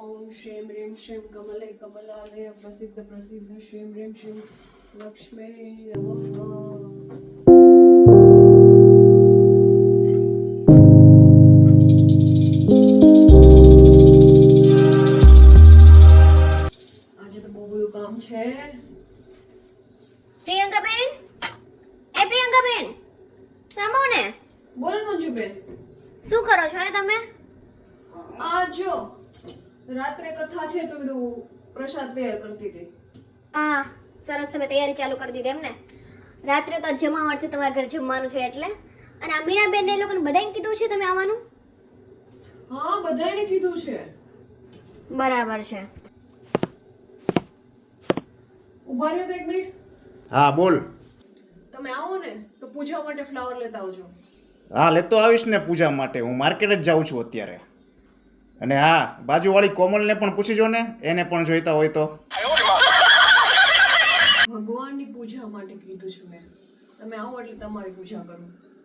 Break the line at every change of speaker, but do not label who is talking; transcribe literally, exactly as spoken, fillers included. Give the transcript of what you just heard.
ઓમ શ્રીમ રીમ શ્રીમ કમલે કમલાલય પ્રસિદ્ધ પ્રસિદ્ધ શ્રીમ રીમ શ્રીમ લક્ષ્મી નમઃ. આજે તો બહુ બધું કામ છે.
પ્રિયંકા બેન, એ પ્રિયંકા બેન, સાંભળો ને.
બોલ મંજુબેન.
શું કરો છો એ તમે?
આ જો રાત્રે કથા છે તો બધું પ્રસાદ તૈયાર કરતી હતી.
હા, સરસ, તમે તૈયારી ચાલુ કરી દીધી એમ ને. રાત્રે તો જમાવટ છે, તમારા ઘરે જમવાનું છે એટલે. અને આ મીરાબેન ને એ લોકોને બધાને કીધું છે તમે આવવાનું?
હા, બધાયને કીધું છે.
બરાબર છે.
ઉભા રહ્યો તો એક મિનિટ.
હા બોલ.
તમે આવો ને તો પૂજા માટે ફ્લાવર લેતા આવજો.
હા લેતો આવીશ ને પૂજા માટે. હું માર્કેટ જ જાઉં છું અત્યારે. અને હા, બાજુવાળી કોમલને પણ પૂછી જો ને, એને પણ જોઈતા હોય તો.
ભગવાનની પૂજા માટે કીધું છું મેં. તમે આવો એટલે તમારી પૂજા કરું.